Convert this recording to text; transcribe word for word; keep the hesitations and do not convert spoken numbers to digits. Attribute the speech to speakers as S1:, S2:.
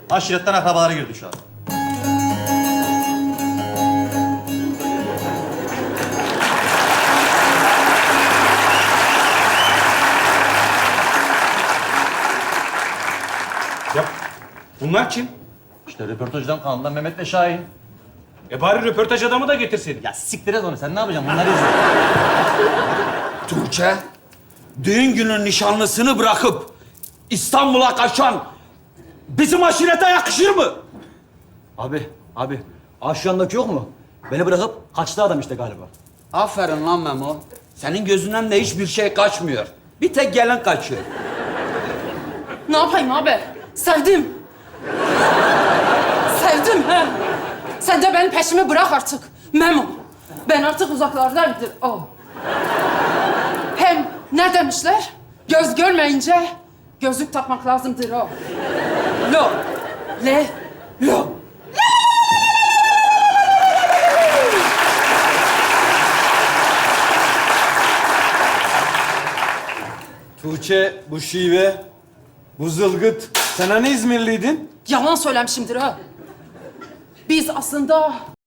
S1: Aşiretten akrabaları girdi şu an.
S2: Ya bunlar kim?
S1: İşte röportajdan kanaldan Mehmet ve Şahin.
S2: E bari röportaj adamı da getirseydin.
S1: Ya siktir et onu. Sen ne yapacaksın? Bunları izle.
S3: Tuğçe, düğün günü nişanlısını bırakıp İstanbul'a kaçan bizim aşirete yakışır mı?
S4: Abi, abi. Aşağındaki yok mu? Beni bırakıp kaçtı adam işte galiba.
S3: Aferin lan Memo. Senin gözünden de hiçbir şey kaçmıyor. Bir tek gelen kaçıyor.
S5: Ne yapayım abi? Sevdim. Sevdim he. Sen de benim peşimi bırak artık. Memo. Ben artık uzaklardayımdır o. Hem ne demişler? Göz görmeyince gözlük takmak lazımdır o. Lo. Le. Lo.
S4: Tuğçe, bu şive, bu zılgıt.
S2: Sen hani İzmirliydin?
S5: Yalan söylemişimdir ha. Biz aslında